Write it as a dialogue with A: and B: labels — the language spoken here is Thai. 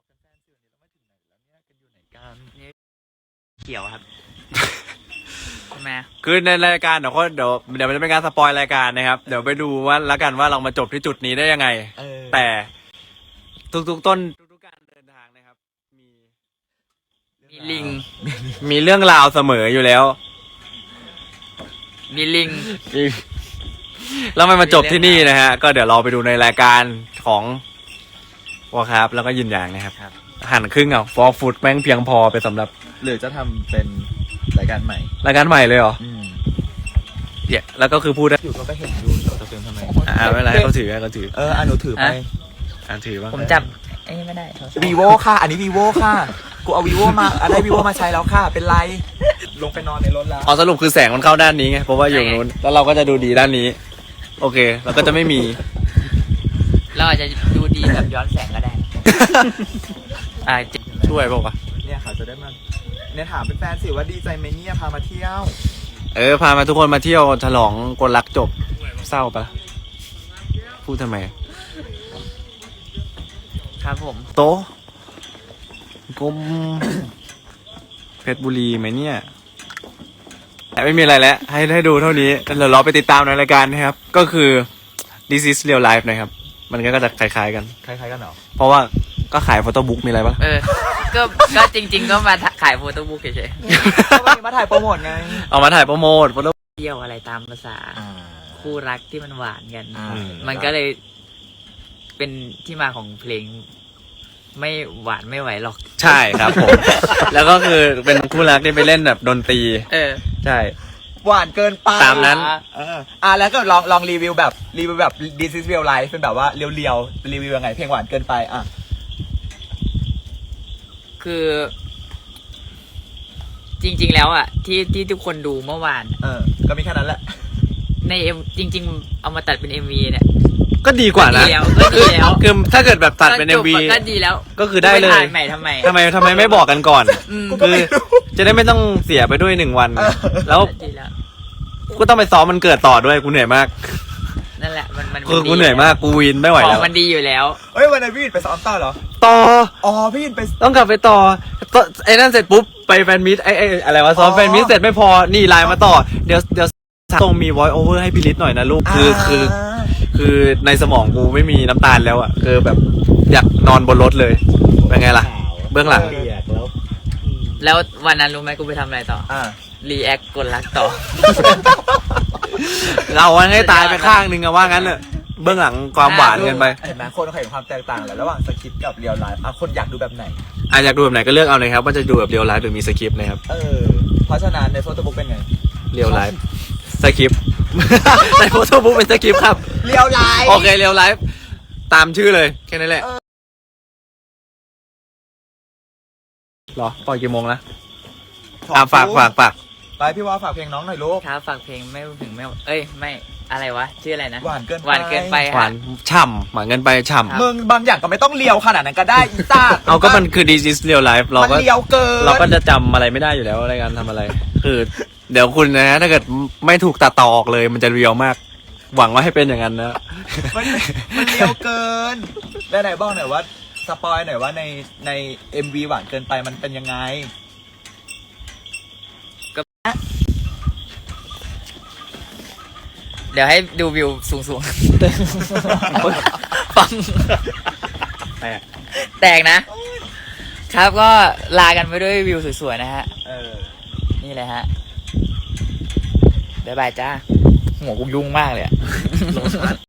A: เขียวครับใช่ไหม
B: คือในรายการเดี๋ยวมันจะเป็นการสปอยรายการนะครับเดี๋ยวไปดูว่าแล้วกันว่าเรามาจบที่จุดนี้ได้ยังไงแต่ทุกการเดินทางนะครับ
A: มีลิง
B: มีเรื่องราวเสมออยู่แล้ว
A: มีลิง
B: แล้วมันมาจบที่นี่นะฮะก็เดี๋ยวเราไปดูในรายการของวอครับแล้วก็ยินอย่างนะครับหั่นครึ่งเอาฟอร์ฟูดแม่งเพียงพอไปสำหรับ
C: หรือจะทำเป็นรายการใหม่
B: เลยเหรอเนี่ยแล้วก็คือพูดได้
C: อยู่ก็เห็นดูจะเป็นทำไม
B: ไม่เป็นไรให้เขาถือ
C: หนูถือไป
B: ถือบ้าง
A: ผมจับไม่ได้
C: vivo ค่ะอันนี้ vivo ค่ะกูเอา vivo มาได้ vivo มาใช้แล้วค่ะเป็นไรลงไปนอนในรถแล้ว
B: สรุปคือแสงมันเข้าด้านนี้ไงเพราะว่าอยู่นู้นแล้วเราก็จะดูดีด้านนี้โอเคเราก็จะไม่มี
A: เราอาจจะดูดีแบบย้อนแสงก็ได้
B: ช่วยบอกว่า
C: เนี่ยค่ะจะได้มาเนี่ยถามเป็นแฟนสิว่าดีใจไหมเนี่ยพามาเที่ยว
B: พามาทุกคนมาเที่ยวฉลองกลรักจบเศร้าปะพูดทำไม
A: ครับผม
B: โตกลมเพชรบุรีไหมเนี่ยแต่ไม่มีอะไรแล้วให้ดูเท่านี้เดี๋ยวเราไปติดตามในรายการนะครับก็คือ This is Real Life นะครับมันก็จะคล้ายๆกัน
C: เหรอ
B: เพราะว่าก็ขายโฟโต้บุ๊กมีอะไรปะ
A: ก็จริงๆก็มาขายโฟโต้บุ๊กเฉย
C: ๆก็มาถ่ายโปรโมทไง
B: เอามาถ่ายโปรโมทโฟโต้
A: เที่ยวอะไรตามภาษาคู่รักที่มันหวานกันมันก็เลยเป็นที่มาของเพลงไม่หวานไม่ไหวหรอก
B: ใช่ครับผม แล้วก็คือเป็นคู่รักที่ไปเล่นแบบดนตรีใช่
C: หวานเกินไป
B: ตามนั้น
C: แล้วก็ลองรีวิวแบบThis is Real Life เป็นแบบว่าเรียวๆรีวิวยังไงเพลงหวานเกินไป
A: คือจริงๆแล้วที่ทุกคนดูเมื่อวาน
C: ก็มีแค่นั้นแหละ
A: ในจริงๆเอามาตัดเป็น MV เนี่ย
B: ก็ดีกว่านะ
A: ก็ดีแล้ว
B: คือถ้าเกิดแบบตัดเป็น MV
A: ก็ดีแล้ว
B: ก็คือได้เลย
A: ใหม่ทำไ
B: มไม่บอกกันก่อนคือจะได้ไม่ต้องเสียไปด้วย1 วันแล้วกูต้องไปซ้อมมันเกิดต่อด้วยกูเหนื่อยมาก
A: นั่นแหละมัน
B: กูเหนื่อยมากกูวินไม่ไหวแล้ว
A: มันดีอยู่แล้ว
C: วันนั้นพี่ไปซ้อมต่อเหรอพี่ไป
B: ต้องกลับไปต่อไอ้นั่นเสร็จปุ๊บไปแฟนมิตไอ้อะไรวะซ้อมแฟนมิตเสร็จไม่พอนี่ไลน์มาต่อเดี๋ยวต้องมี voice over ให้พี่ฤทธิ์หน่อยนะลูกคือในสมองกูไม่มีน้ำตาลแล้วคือแบบอยากนอนบนรถเลยเป็นไงล่ะเบื้องหลัง
A: แล้ววันนั้นรู้ไหมกูไปทำอะไรต่อรีแอคกดรักต่อ
B: เราให้ตายไปข้างนึงว่างั้นเนอะเบื้องหลังความหวานกันไป
C: เห็นไหมคนเขาเห็นความแตกต่างแหละระหว่างสคริปต์กับเรียลไลฟ์คนอยากดูแบบไหน
B: อยากดูแบบไหนก็เลือกเอาเลยครับว่าจะดูแบบเรียลไลฟ์หรือมีสคริปต์นะครับ
C: เพราะฉะนั้นในโฟโต้บุ๊กเป็นไง
B: เรียลไลฟ์สคริปต์ในโฟโต้บุ๊กเป็นสคริปต์ครับ
C: เรียลไลฟ์
B: โอเคเรียลไลฟ์ตามชื่อเลยแค่นั้นแหละหรอปล่อยกี่โมงนะฝาก
C: ไปพี่ว่าฝากเพลงน้องหน่อยลูก
A: ครับฝากเพลงไม่อะไรวะชื่ออะไรนะ
C: หวานเกินไป
A: หวาน
B: ฉ่ำหวานเกินไปฉ่ำ
C: มึงบางอย่างก็ไม่ต้องเลียวขนาดนั้นก็ได้อีซ่า
B: เอาก็มันคือ This is Real Life เราก็
C: เลียวเกิน
B: เราก็จะจำอะไรไม่ได้อยู่แล้วอะไรการทำอะไรคือเดี๋ยวคุณนะถ้าเกิดไม่ถูกตัดต่อออกเลยมันจะเรียวมากหวังว่าให้เป็นอย่างนั้นนะ
C: มันเลียวเกินได้ไหนบอกหน่อยว่าสปอยหน่อยว่าใน MV หวานเกินไปมันเป็นยังไง
A: เดี๋ยวให้ดูวิวสูงๆฟังแตกนะครับก็ลากันไปด้วยวิวสวยๆนะฮะนี่เลยฮะบ๊ายบายจ้าหัวกูยุ่งมากเลย